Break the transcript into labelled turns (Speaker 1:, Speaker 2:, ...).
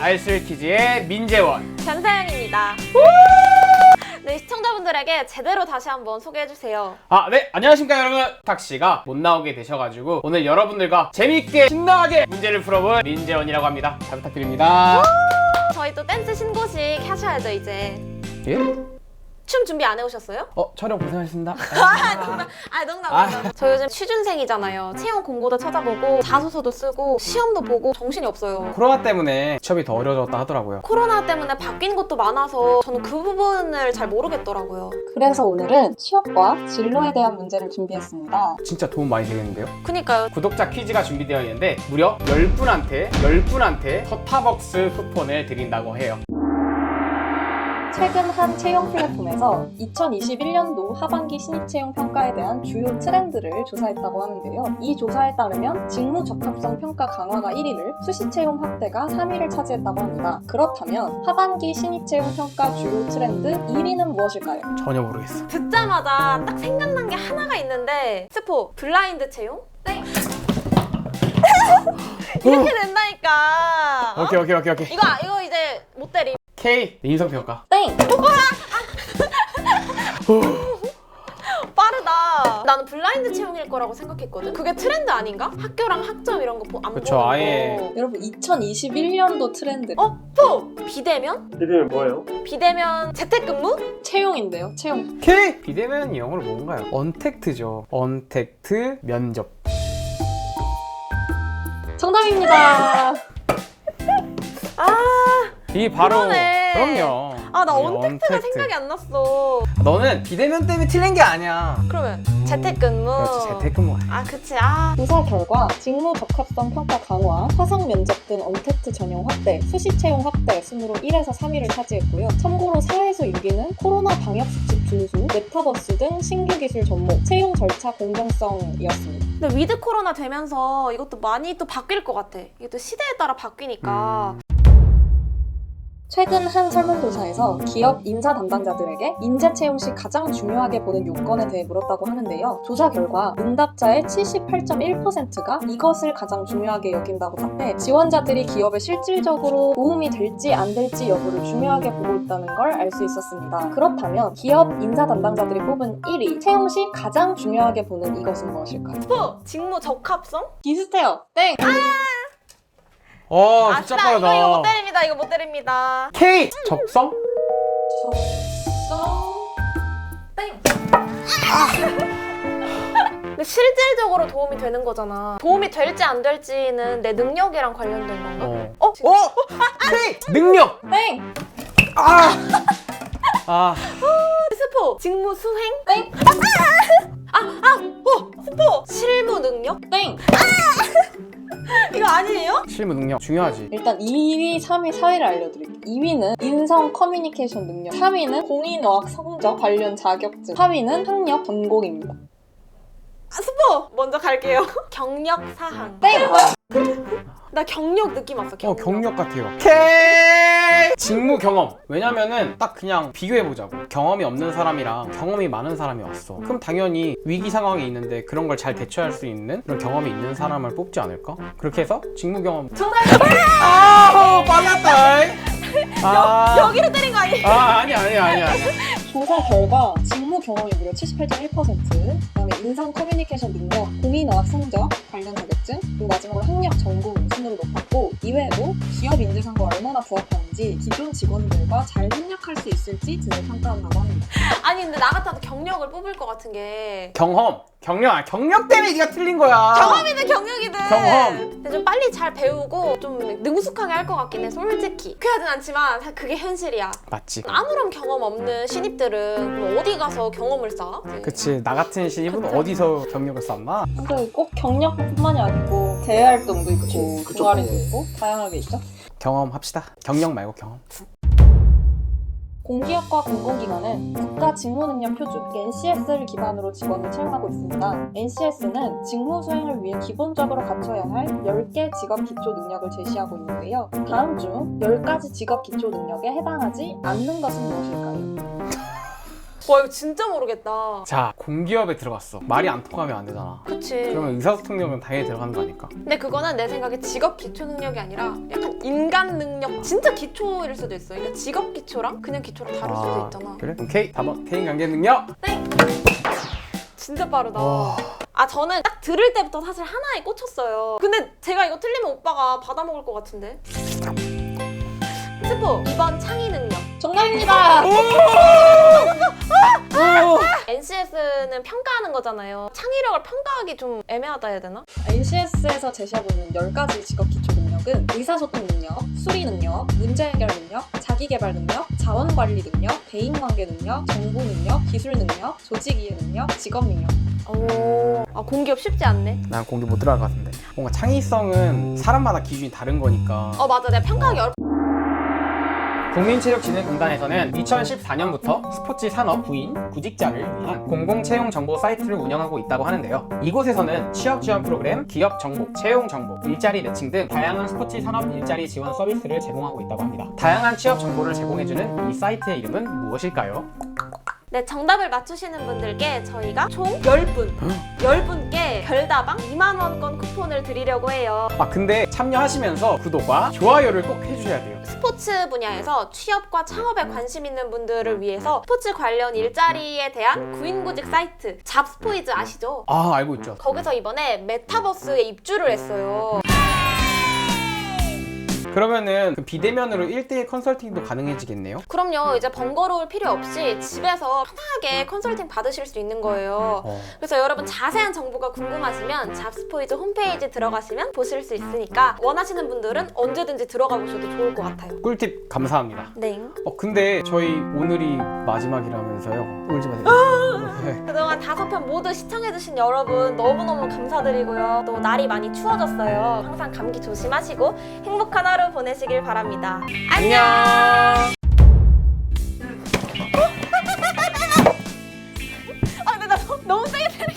Speaker 1: 알쓸퀴즈의 민재원
Speaker 2: 변사연입니다. 네, 시청자분들에게 제대로 다시 한번 소개해주세요.
Speaker 1: 네, 안녕하십니까 여러분. 탁씨가 못 나오게 되셔가지고 오늘 여러분들과 재밌게 신나게 문제를 풀어볼 민재원이라고 합니다. 잘 부탁드립니다.
Speaker 2: 저희 또 댄스 신고식 하셔야죠 이제.
Speaker 1: 예?
Speaker 2: 춤 준비 안 해오셨어요?
Speaker 1: 촬영 고생하셨습니다.
Speaker 2: 농담. 저 요즘 취준생이잖아요. 채용 공고도 찾아보고 자소서도 쓰고 시험도 보고 정신이 없어요.
Speaker 1: 코로나 때문에 취업이 더 어려워졌다 하더라고요.
Speaker 2: 코로나 때문에 바뀐 것도 많아서 저는 그 부분을 잘 모르겠더라고요.
Speaker 3: 그래서 오늘은 취업과 진로에 대한 문제를 준비했습니다.
Speaker 1: 진짜 도움 많이 되겠는데요?
Speaker 2: 그니까요.
Speaker 1: 구독자 퀴즈가 준비되어 있는데 무려 10분한테 스타벅스 쿠폰을 드린다고 해요.
Speaker 3: 최근 한 채용 플랫폼에서 2021년도 하반기 신입채용 평가에 대한 주요 트렌드를 조사했다고 하는데요. 이 조사에 따르면 직무 적합성 평가 강화가 1위를, 수시채용 확대가 3위를 차지했다고 합니다. 그렇다면 하반기 신입채용 평가 주요 트렌드 1위는 무엇일까요?
Speaker 1: 전혀 모르겠어.
Speaker 2: 듣자마자 딱 생각난 게 하나가 있는데 스포 블라인드 채용? 네. 이렇게 된다니까.
Speaker 1: 오케이.
Speaker 2: 이거 이제 못 때림.
Speaker 1: K 인성평가.
Speaker 3: 땡!
Speaker 2: 빠르다. 나는 블라인드 채용일 거라고 생각했거든. 그게 트렌드 아닌가? 학교랑 학점 이런 거 안
Speaker 1: 그쵸,
Speaker 2: 보는 거.
Speaker 1: 아예.
Speaker 3: 여러분 2021년도 트렌드
Speaker 2: 비대면?
Speaker 4: 비대면 뭐예요?
Speaker 2: 비대면 재택근무?
Speaker 3: 채용인데요. 채용.
Speaker 1: K! 비대면 영어로 뭔가요? 언택트죠. 언택트 면접.
Speaker 3: 정답입니다.
Speaker 1: 이 바로
Speaker 2: 그러네.
Speaker 1: 그럼요.
Speaker 2: 나
Speaker 1: 이
Speaker 2: 언택트가 생각이 안 났어.
Speaker 1: 너는 비대면 때문에 틀린 게 아니야.
Speaker 2: 그러면 재택근무.
Speaker 1: 그렇지, 재택근무.
Speaker 2: 그치.
Speaker 3: 조사 결과 직무 적합성 평가 강화, 화상 면접 등 언택트 전형 확대, 수시 채용 확대 순으로 1에서 3위를 차지했고요. 참고로 4에서 6위는 코로나 방역 수칙 준수, 메타버스 등 신규 기술 접목, 채용 절차 공정성이었습니다.
Speaker 2: 근데 위드 코로나 되면서 이것도 많이 또 바뀔 것 같아. 이게 또 시대에 따라 바뀌니까.
Speaker 3: 최근 한 설문조사에서 기업 인사 담당자들에게 인재 채용 시 가장 중요하게 보는 요건에 대해 물었다고 하는데요. 조사 결과 응답자의 78.1%가 이것을 가장 중요하게 여긴다고 답해 지원자들이 기업에 실질적으로 도움이 될지 안 될지 여부를 중요하게 보고 있다는 걸 알 수 있었습니다. 그렇다면 기업 인사 담당자들이 뽑은 1위, 채용 시 가장 중요하게 보는 이것은 무엇일까요?
Speaker 2: 스포! 직무 적합성?
Speaker 3: 비슷해요. 땡!
Speaker 1: 진짜 빠르다.
Speaker 2: 이거 못 때립니다.
Speaker 1: K! 적성?
Speaker 2: 근데 실질적으로 도움이 되는 거잖아. 도움이 될지 안 될지는 내 능력이랑 관련된 건가?
Speaker 1: K! 능력!
Speaker 3: 땡!
Speaker 2: 스포! 직무 수행?
Speaker 3: 땡!
Speaker 2: 스포! 실무 능력?
Speaker 3: 땡!
Speaker 2: 이거 아니에요?
Speaker 1: 실무 능력 중요하지.
Speaker 3: 일단 2위, 3위, 4위를 알려드릴게요. 2위는 인성 커뮤니케이션 능력, 3위는 공인어학 성적 관련 자격증, 4위는 학력 전공입니다.
Speaker 2: 스포! 먼저 갈게요. 경력 사항.
Speaker 3: 땡!
Speaker 2: 나 경력 느낌 왔어.
Speaker 1: 경력 같아요. K! 직무 경험. 왜냐면은 딱 그냥 비교해보자고. 경험이 없는 사람이랑 경험이 많은 사람이 왔어. 그럼 당연히 위기 상황이 있는데 그런 걸 잘 대처할 수 있는 그런 경험이 있는 사람을 뽑지 않을까? 그렇게 해서 직무 경험. 빨랐다.
Speaker 2: 여기로 때린 거 아니에요?
Speaker 1: 아니야.
Speaker 3: 조사 결과 직무 경험이 무려 78.1%, 그다음에 인성 커뮤니케이션 능력, 공인어학 성적 관련 자격증, 그리고 마지막으로 학력 전공 순으로 높았고, 이외에도 기업 인재상과 얼마나 부합하는지, 기존 직원들과 잘 협력할 수 있을지 등을 평가한다고 합니다.
Speaker 2: 아니 근데 나 같아도 경력을 뽑을 것 같은 게
Speaker 1: 경력 때문에 네가 틀린 거야.
Speaker 2: 경험이든 경력이든
Speaker 1: 경험.
Speaker 2: 근데 좀 빨리 잘 배우고 좀 능숙하게 할 것 같긴 해. 솔직히 그하진 않지만 사실 그게 현실이야.
Speaker 1: 맞지.
Speaker 2: 아무런 경험 없는 신입들은 그럼 어디 가서 경험을 쌓아?
Speaker 1: 그치. 나 같은 신입은
Speaker 2: 그쵸.
Speaker 1: 어디서 경력을 쌓나?
Speaker 3: 근데 꼭 경력뿐만이 아니고 대외활동도 있고,
Speaker 1: 그쵸.
Speaker 3: 동아리도 있고, 다양하게 있죠.
Speaker 1: 경험합시다. 경력 말고 경험.
Speaker 3: 공기업과 공공기관은 국가 직무능력 표준 NCS를 기반으로 직원을 채용하고 있습니다. NCS는 직무 수행을 위해 기본적으로 갖춰야 할 10개 직업 기초 능력을 제시하고 있는데요. 다음 중 10가지 직업 기초 능력에 해당하지 않는 것은 무엇일까요?
Speaker 2: 와 이거 진짜 모르겠다.
Speaker 1: 자, 공기업에 들어갔어. 말이 안 통하면 안 되잖아.
Speaker 2: 그치.
Speaker 1: 그러면 의사소통력은 당연히 들어가는 거 아닐까?
Speaker 2: 근데 그거는 내 생각에 직업 기초 능력이 아니라 약간 인간 능력 진짜 기초일 수도 있어. 그러니까 직업 기초랑 그냥 기초랑 다를 수도 있잖아.
Speaker 1: 그래? 오케이. 4번 대인 관계 능력.
Speaker 2: 땡! 진짜 빠르다.
Speaker 1: 와.
Speaker 2: 아 저는 딱 들을 때부터 사실 하나에 꽂혔어요. 근데 제가 이거 틀리면 오빠가 받아먹을 것 같은데. 스포 2번 창의 능력.
Speaker 3: 정답입니다.
Speaker 2: NCS는 평가하는 거잖아요. 창의력을 평가하기 좀 애매하다 해야 되나?
Speaker 3: NCS에서 제시하고 있는 10가지 직업 기초 능력은 의사소통 능력, 수리 능력, 문제 해결 능력, 자기개발 능력, 자원관리 능력, 대인관계 능력, 정보 능력, 기술 능력, 조직이해 능력, 직업 능력.
Speaker 2: 오, 아 공기업 쉽지 않네.
Speaker 1: 난 공기 못 들어갈 것 같은데. 뭔가 창의성은 사람마다 기준이 다른 거니까.
Speaker 2: 맞아, 내가 평가하기 어렵.
Speaker 1: 국민체력진흥공단에서는 2014년부터 스포츠 산업 구인, 구직자를 위한 공공채용 정보 사이트를 운영하고 있다고 하는데요. 이곳에서는 취업 지원 프로그램, 기업 정보, 채용 정보, 일자리 매칭 등 다양한 스포츠 산업 일자리 지원 서비스를 제공하고 있다고 합니다. 다양한 취업 정보를 제공해주는 이 사이트의 이름은 무엇일까요?
Speaker 2: 네, 정답을 맞추시는 분들께 저희가 총 10분, 10분께 별다방 2만원권 쿠폰을 드리려고 해요.
Speaker 1: 근데 참여하시면서 구독과 좋아요를 꼭 해주셔야 돼요.
Speaker 2: 스포츠 분야에서 취업과 창업에 관심 있는 분들을 위해서 스포츠 관련 일자리에 대한 구인구직 사이트 잡스포이즈 아시죠?
Speaker 1: 알고 있죠.
Speaker 2: 거기서 이번에 메타버스에 입주를 했어요.
Speaker 1: 그러면은 그 비대면으로 1대1 컨설팅도 가능해지겠네요?
Speaker 2: 그럼요. 이제 번거로울 필요 없이 집에서 편하게 컨설팅 받으실 수 있는 거예요. 그래서 여러분 자세한 정보가 궁금하시면 잡스포이즈 홈페이지 들어가시면 보실 수 있으니까 원하시는 분들은 언제든지 들어가 보셔도 좋을 것 같아요.
Speaker 1: 꿀팁 감사합니다.
Speaker 2: 네.
Speaker 1: 근데 저희 오늘이 마지막이라면서요. 울지 마세요. 네.
Speaker 2: 그동안 5편 모두 시청해주신 여러분 너무너무 감사드리고요. 또 날이 많이 추워졌어요. 항상 감기 조심하시고 행복한 하루 보내시길 바랍니다. 안녕! 근데 나 너무 세게